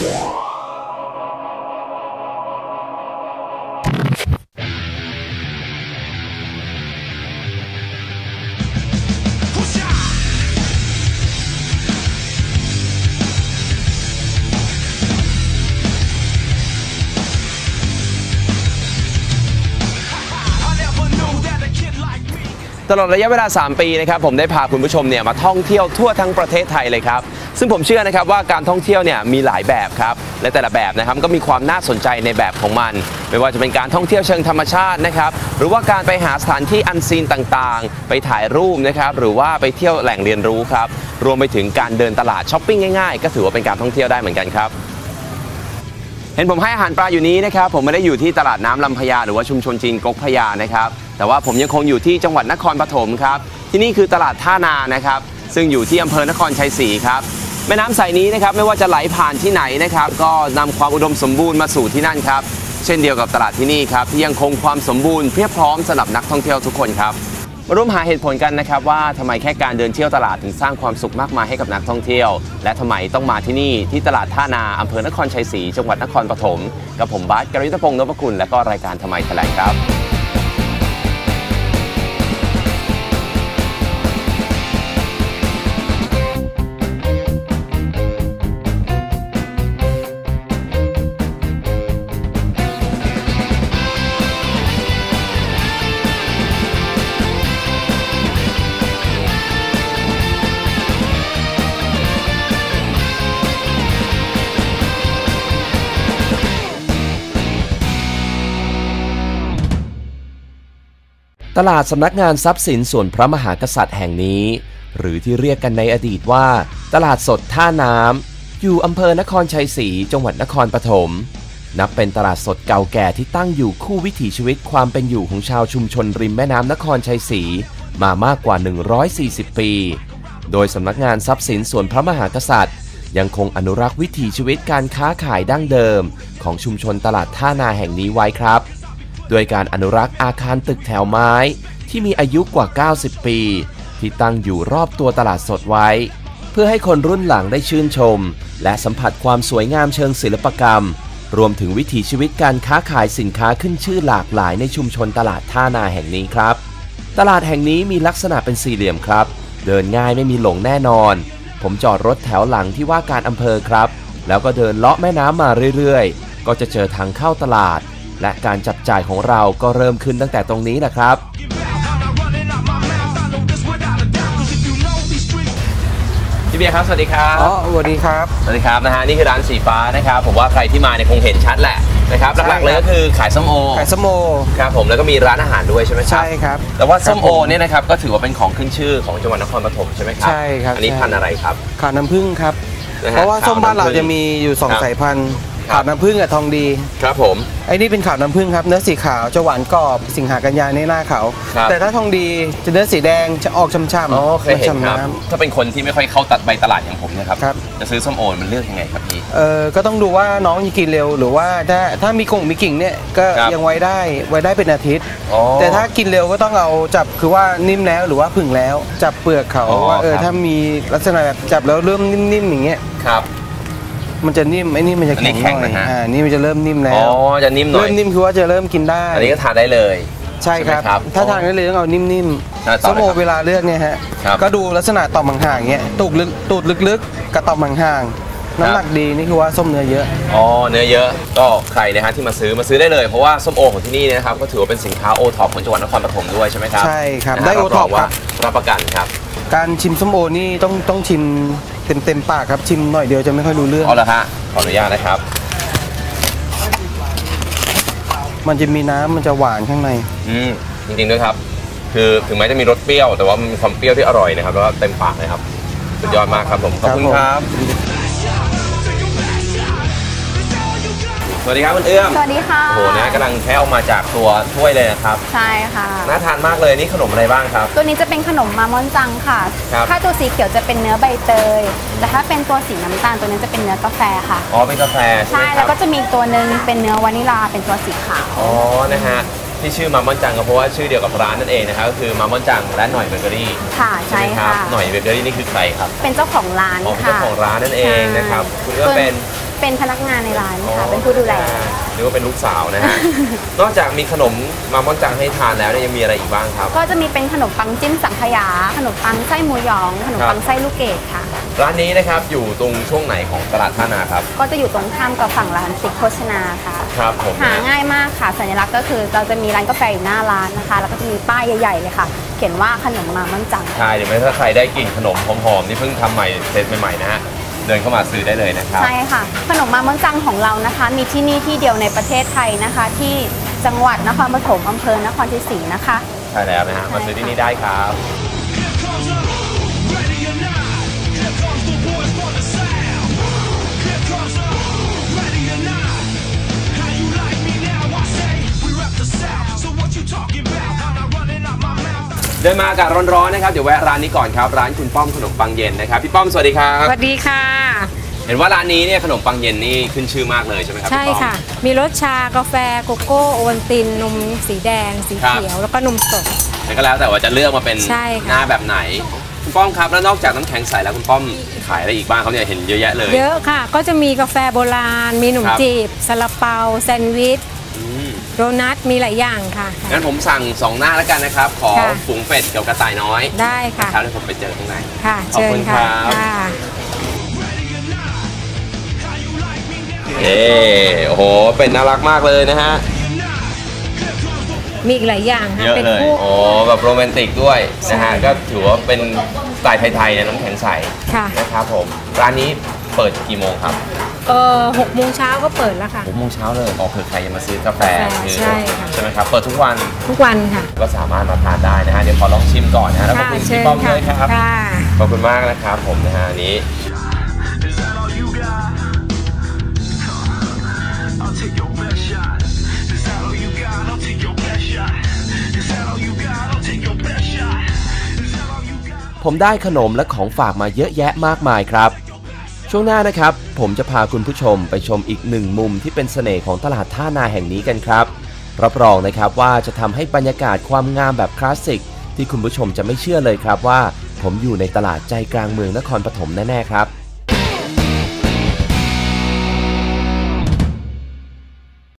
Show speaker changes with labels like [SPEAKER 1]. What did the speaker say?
[SPEAKER 1] ตลอดระยะเวลา3 ปีนะครับผมได้พาคุณผู้ชมเนี่ยมาท่องเที่ยวทั่วทั้งประเทศไทยเลยครับซึ่งผมเชื่อนะครับว่าการท่องเที่ยวเนี่ยมีหลายแบบครับและแต่ละแบบนะครับก็มีความน่าสนใจในแบบของมันไม่ว่าจะเป็นการท่องเที่ยวเชิงธรรมชาตินะครับหรือว่าการไปหาสถานที่อันซีนต่างๆไปถ่ายรูปนะครับหรือว่าไปเที่ยวแหล่งเรียนรู้ครับรวมไปถึงการเดินตลาดช้อปปิ้งง่ายๆก็ถือว่าเป็นการท่องเที่ยวได้เหมือนกันครับเห็นผมให้อาหารปลาอยู่นี้นะครับผมไม่ได้อยู่ที่ตลาดน้ำลำพญาหรือว่าชุมชนจีนก๊กพญานะครับแต่ว่าผมยังคงอยู่ที่จังหวัดนครปฐมครับที่นี่คือตลาดท่านานะครับซึ่งอยู่ที่อำเภอนครชัยศรีครับแม่น้ำสายนี้นะครับไม่ว่าจะไหลผ่านที่ไหนนะครับก็นำความอุดมสมบูรณ์มาสู่ที่นั่นครับเช่นเดียวกับตลาดที่นี่ครับที่ยังคงความสมบูรณ์เพียบพร้อมสำหรับนักท่องเที่ยวทุกคนครับมาร่วมหาเหตุผลกันนะครับว่าทำไมแค่การเดินเที่ยวตลาดถึงสร้างความสุขมากมายให้กับนักท่องเที่ยวและทำไมต้องมาที่นี่ที่ตลาดท่านาอำเภอนครชัยศรีจังหวัดนครปฐมกับผมบาส กฤษพงษ์ นพคุณและก็รายการทำไมแถลงครับ
[SPEAKER 2] ตลาดสำนักงานทรัพย์สินส่วนพระมหากษัตริย์แห่งนี้หรือที่เรียกกันในอดีตว่าตลาดสดท่าน้ำอยู่อำเภอนครชัยศรีจังหวัดนครปฐมนับเป็นตลาดสดเก่าแก่ที่ตั้งอยู่คู่วิถีชีวิตความเป็นอยู่ของชาวชุมชนริมแม่น้ำนครชัยศรีมามากกว่า140 ปีโดยสำนักงานทรัพย์สินส่วนพระมหากษัตริย์ยังคงอนุรักษ์วิถีชีวิตการค้าขายดั้งเดิมของชุมชนตลาดท่านาแห่งนี้ไว้ครับโดยการอนุรักษ์อาคารตึกแถวไม้ที่มีอายุกว่า90 ปีที่ตั้งอยู่รอบตัวตลาดสดไว้เพื่อให้คนรุ่นหลังได้ชื่นชมและสัมผัสความสวยงามเชิงศิลปกรรมรวมถึงวิถีชีวิตการค้าขายสินค้าขึ้นชื่อหลากหลายในชุมชนตลาดท่านาแห่งนี้ครับตลาดแห่งนี้มีลักษณะเป็นสี่เหลี่ยมครับเดินง่ายไม่มีหลงแน่นอนผมจอดรถแถวหลังที่ว่าการอำเภอครับแล้วก็เดินเลาะแม่น้ำมาเรื่อยๆก็จะเจอทางเข้าตลาดและการจับจ่ายของเราก็เริ่มขึ้นตั้งแต่ตรงนี้แหละครับ
[SPEAKER 1] พี่เบียร์ครับสวัสดีครับ
[SPEAKER 3] สวัสดีครับ
[SPEAKER 1] สวัสดีครับนะฮะนี่คือร้านสีฟ้านะครับผมว่าใครที่มาเนี่ยคงเห็นชัดแหละนะครับหลักๆเลยก็คือขายส้มโอครับผมแล้วก็มีร้านอาหารด้วยใช่ไหมครับ
[SPEAKER 3] ใช่ครับ
[SPEAKER 1] แต่ว่าส้มโอเนี่ยนะครับก็ถือว่าเป็นของขึ้นชื่อของจังหวัดนครปฐมใช่ไหมครับ
[SPEAKER 3] ใช่ครับ
[SPEAKER 1] อันนี้พันธุ์อะไรครับ
[SPEAKER 3] ขาวน้ำผึ้งครับเพราะว่าส้มบ้านเราจะมีอยู่2 สายพันธุ์ขาวน้ำผึ้งกับทองดี
[SPEAKER 1] ครับผม
[SPEAKER 3] ไอ้นี่เป็นขาวน้ำผึ้งครับเนื้อสีขาวจะหวานกรอบสิงหากันยาในหน้าขาวแต่ถ้าทองดีจะเนื้อสีแดงจะออกช่ำ
[SPEAKER 1] ๆเคยเห็นครับถ้าเป็นคนที่ไม่ค่อยเข้าตัดใบตลาดอย่างผมนะครับจะซื้อส้มโอมันเลือกยังไงครับพี่
[SPEAKER 3] ก็ต้องดูว่าน้องจะกินเร็วหรือว่าถ้ามีกิ่งเนี่ยก็ยังไว้ได้เป็นอาทิตย์แต่ถ้ากินเร็วก็ต้องเอาจับคือว่านิ่มแล้วหรือว่าผึ่งแล้วจับเปลือกเขาว่าถ้ามีลักษณะแบบจับแล้วเริ่มนิ่มๆอย่างเงี้ย
[SPEAKER 1] ครับ
[SPEAKER 3] มันจะนิ่มไอ้นี่มันจะแข็งหน่อยนี่มันจะเริ่มนิ่มแล้ว
[SPEAKER 1] จะนิ่มหน่อย
[SPEAKER 3] เริ่มนิ่มคือว่าจะเริ่มกินได้
[SPEAKER 1] อันนี้ก็ทานได้เลย
[SPEAKER 3] ใช่ครับถ้าทานได้เลยต้องเอานิ่มๆส้มโอเวลาเลือกเนี่ยฮะก็ดูลักษณะต่อมห่างๆเงี้ยตูดลึกๆกับต่อมห่างๆน้ำหนักดีนี่คือว่าส้มเนื้อเยอะ
[SPEAKER 1] เนื้อเยอะก็ใครนะฮะที่มาซื้อได้เลยเพราะว่าส้มโอของที่นี่นะครับก็ถือว่าเป็นสินค้าโอท็อปของจังหวัดนครปฐมด้วยใช่ไหมครับ
[SPEAKER 3] ใช่ครับได้โอท็อป
[SPEAKER 1] ว่ารับประกันครับ
[SPEAKER 3] การชิมส้มโอนี่ต้องชิมเต็มปากครับชิมหน่อยเดียวจะไม่ค่อยรู้เรื่อง
[SPEAKER 1] ละฮะขออนุญาตนะครับ
[SPEAKER 3] มันจะมีน้ำมันจะหวานข้างใน
[SPEAKER 1] จริงๆด้วยครับคือถึงแม้จะมีรสเปรี้ยวแต่ว่ามันมีความเปรี้ยวที่อร่อยนะครับแล้วก็เต็มปากเลยครับสุดยอดมากครับผมขอบคุณครับสวัสดีครับคุณเอื้อม
[SPEAKER 4] สวัสดีค่ะ
[SPEAKER 1] โอ้โหนะกำลังแค่ออกมาจากตัวถ้วยเลยนะครับ
[SPEAKER 4] ใช่ค่ะ
[SPEAKER 1] น่าทานมากเลยนี่ขนมอะไรบ้างครับ
[SPEAKER 4] ตัวนี้จะเป็นขนมมามอนจังค่ะถ้าตัวสีเขียวจะเป็นเนื้อใบเตยแต่ถ้าเป็นตัวสีน้ำตาลตัวนี้จะเป็นเนื้อกาแฟค่ะ
[SPEAKER 1] เป็นกาแฟ
[SPEAKER 4] ใช่แล้วก็จะมีตัวนึงเป็นเนื้อวานิลาเป็นตัวสีขาว
[SPEAKER 1] นะฮะที่ชื่อมามอนจังก็เพราะว่าชื่อเดียวกับร้านนั่นเองนะครับก็คือมามอนจังและหน่อยเบเกอรี่
[SPEAKER 4] ค่ะใช่ค่ะ
[SPEAKER 1] หน่อยเบเกอรี่นี่คือใครครับ
[SPEAKER 4] เป็นเจ้าของร้าน
[SPEAKER 1] เป็นเจ้าของร้านนั่นเองนะครับคุณก็เป็น
[SPEAKER 4] เป็นพนักงานในร้านค่ะเป็นผู้ดูแล
[SPEAKER 1] หรือว่าเป็นลูกสาวนะฮะ นอกจากมีขนมมาม่อนจังให้ทานแล้วเนี่ยยังมีอะไรอีกบ้างครับ
[SPEAKER 4] ก็จะมีเป็นขนมปังจิ้มสังขยาขนมปังไส้หมูหยองขนมปังไส้ลูกเกดค่ะ
[SPEAKER 1] ร้านนี้นะครับอยู่ตรงช่วงไหนของตลาดท่านาครับ
[SPEAKER 4] ก็จะอยู่ตรงข้ามกับฝั่งร้านติ๊กโภชนาค่ะ
[SPEAKER 1] ครับผม
[SPEAKER 4] หาง่ายมากค่ะสัญลักษณ์ก็คือเราจะมีร้านกาแฟอยู่หน้าร้านนะคะแล้วก็จะมีป้ายใหญ่ๆเลยค่ะเขียนว่าขนมมาม่อนจัง
[SPEAKER 1] ใช่เดี๋ยวถ้าใครได้กลิ่นขนมหอมๆที่เพิ่งทำใหม่เซตใหม่ๆนะฮะเดินเข้ามาซื้อได้เลยนะครับ
[SPEAKER 4] ใช่ค่ะขนมมาม่อนจังของเรานะคะ มีที่นี่ที่เดียวในประเทศไทยนะคะ ที่จังหวัดนครปฐมอำเภอนครชัยศรีนะคะ
[SPEAKER 1] ใช่แล้วนะฮะมาซื้อที่นี่ได้ครับ เดินมาอากาศร้อนๆนะครับเดี๋ยวแวะร้านนี้ก่อนครับร้านคุณป้อมขนมปังเย็นนะครับพี่ป้อมสวัสดีครับ
[SPEAKER 5] สวัสดีค่ะ
[SPEAKER 1] เห็นว่าร้านนี้เนี่ยขนมปังเย็นนี่ขึ้นชื่อมากเลยใช่ไหมครับ
[SPEAKER 5] ใช่
[SPEAKER 1] พี่ป้อม
[SPEAKER 5] ค่ะ มีรสชากาแฟโกโก้โอวัลตินนมสีแดง สี
[SPEAKER 1] ครับ
[SPEAKER 5] เขียวแล้วก็นมสด
[SPEAKER 1] แต่ก็แล้วแต่ว่าจะเลือกมาเป็น
[SPEAKER 5] ใช่ค่ะ
[SPEAKER 1] หน้าแบบไหนคุณป้อมครับแล้วนอกจากน้ำแข็งใสแล้วคุณป้อมขายอะไรอีกบ้างเขาเนี่ยเห็นเยอะแยะเลย
[SPEAKER 5] เยอะค่ะ ก็จะมีกาแฟโบราณ มีขนม
[SPEAKER 1] ครับ
[SPEAKER 5] จีบซาลาเปาแซนด์วิช
[SPEAKER 1] อืม
[SPEAKER 5] โดนัทมีหลายอย่างค่ะ
[SPEAKER 1] งั้นผมสั่ง2หน้าแล้วกันนะครับขอ
[SPEAKER 5] ค่ะ
[SPEAKER 1] ฝูงเป็ดกับกระต่ายน้อย
[SPEAKER 5] ได้ค่ะ
[SPEAKER 1] ครับเดี๋ยวผมไปเจอข้างใน
[SPEAKER 5] ค่ะ
[SPEAKER 1] ขอบ
[SPEAKER 5] เชิ
[SPEAKER 1] คุ
[SPEAKER 5] ญ
[SPEAKER 1] ณ
[SPEAKER 5] ค่ะ
[SPEAKER 1] ครับ
[SPEAKER 5] ค่ะ
[SPEAKER 1] เย้โอ้โหเป็ดน่ารักมากเลยนะฮะ
[SPEAKER 5] มีอีกหลายอย่างค่ะ
[SPEAKER 1] เยอะ
[SPEAKER 5] เป็น
[SPEAKER 1] เลย
[SPEAKER 5] พวก
[SPEAKER 1] โอ้แบบโรแมนติกด้วยนะฮะ
[SPEAKER 5] ใช่
[SPEAKER 1] ก็ถือว่าเป็นสไตล์ไทยๆเนี่ยน้ำแข็งใส
[SPEAKER 5] ค่ะ
[SPEAKER 1] นะครับผมร้านนี้เปิดกี่โมงครับ
[SPEAKER 5] 6 โมงเช้าก็เปิดแล้วค่ะ
[SPEAKER 1] 6 โมงเช้าเลยเผื่อใครจะมาซื้อกาแฟ
[SPEAKER 5] กาแฟใช่ค่ะ
[SPEAKER 1] ใช่ไหมครับเปิดทุกวัน
[SPEAKER 5] ทุกวันค่ะ
[SPEAKER 1] ก็สามารถมาทานได้นะฮะเดี๋ยวขอลองชิมก่อนนะฮะแล้วขอบ
[SPEAKER 5] ค่ะ
[SPEAKER 1] คุณ
[SPEAKER 5] เชิ
[SPEAKER 1] พี่
[SPEAKER 5] ญ
[SPEAKER 1] ป้อม
[SPEAKER 5] ค่ะ
[SPEAKER 1] ด้วยครับ
[SPEAKER 5] ค่ะ
[SPEAKER 1] ขอบคุณมากนะครับผมนะฮะอันนี้
[SPEAKER 6] Is that all you got? I'll take your best shot. Is that all you got? I'll take your best shot. Is that all you got? I'll take your best shot. Is that all you got?
[SPEAKER 2] ผมได้ขนมและของฝากมาเยอะแยะมากมายครับ ช่วงหน้านะครับ ผมจะพาคุณผู้ชมไปชมอีกหนึ่งมุมที่เป็นเสน่ห์ของตลาดท่านาแห่งนี้กันครับ รับรองนะครับว่าจะทำให้บรรยากาศความงามแบบคลาสสิกที่คุณผู้ชมจะไม่เชื่อเลยครับว่า ผมอยู่ในตลาดใจกลางเมืองนครปฐมแน่ๆครับ